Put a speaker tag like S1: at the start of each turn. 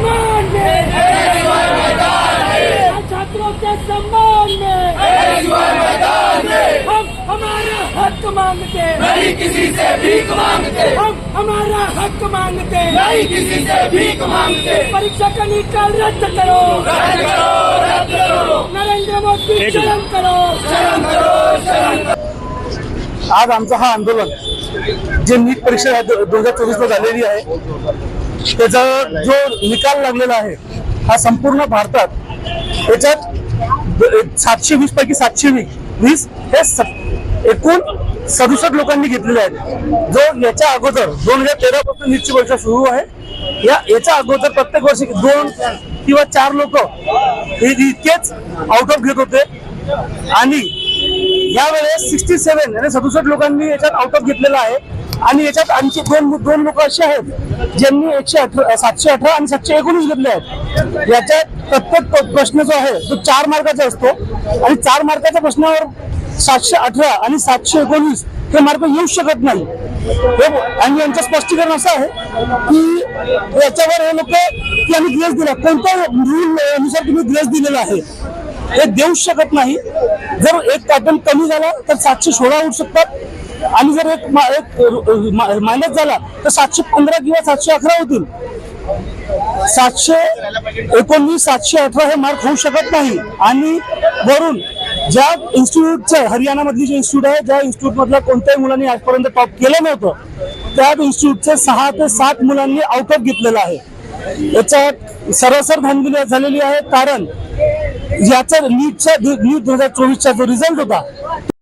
S1: सम्मान में, छात्रों के सम्मान में हम हमारा हक मांगते,
S2: नहीं किसी से भीख मांगते,
S1: हम हमारा हक मांगते,
S2: नहीं किसी से भीख मांगते।
S1: परीक्षा का निकाल रद्द करो,
S2: रद्द करो, रद्द करो,
S1: नरेंद्र मोदी शर्म करो,
S2: शर्म करो, शर्म करो।
S3: आज आमचं हा आंदोलन जे नीट परीक्षा 2024 ला झालेली आहे त्याचा जो निकाल लागलेला आहे हा संपूर्ण भारतात त्याच्यात 720 पैकी 720 हे एकूण 67 लोकांनी घेतलेले आहेत। जो याच्या अगोदर 2013 पासून नीटची परीक्षा सुरू आहे। याच्या अगोदर प्रत्येक वर्षी 2 किंवा 4 लोक हे इतकेच आउट ऑफ घेत होते आणि यावेळेस 67 आणि 67 लोकांनी याच्यात आउट ऑफ घेतलेला आहे। आणि याच्यात आणखी दोन लोक असे आहेत ज्यांनी 718 आणि 719 घेतले आहेत। याच्यात प्रत्येक प्रश्न जो आहे तो 4 मार्काचा असतो आणि 4 मार्काच्या प्रश्नावर 718 आणि 719 हे मार्क येऊ शकत नाही। आणि यांचं स्पष्टीकरण असं आहे की याच्यावर हे लोक की आम्ही ग्रेस दिला, कोणत्या रूल नुसार तुम्ही ग्रेस दिलेला आहे हे देऊ शकत नाही। जर एक पॅटर्न कमी झाला तर 716 होऊ शकतात आणि जर एक मायनस झाला तर 715 किंवा 711 होतील। 719 718 हे मार्क होऊ शकत नाही। आणि वरून ज्या इन्स्टिट्यूटचं हरियाणा मधली जे इन्स्टिट्यूट आहे, ज्या इन्स्टिट्यूट मधल्या कोणत्याही मुलांनी आजपर्यंत टॉप केलं नव्हतं त्या इन्स्टिट्यूटचे 6 ते 7 मुलांनी आउट ऑफ घेतलेलं आहे। याच्यात सरसर धांदली झालेली आहे, कारण याचा नीट 2024चा जो रिझल्ट होता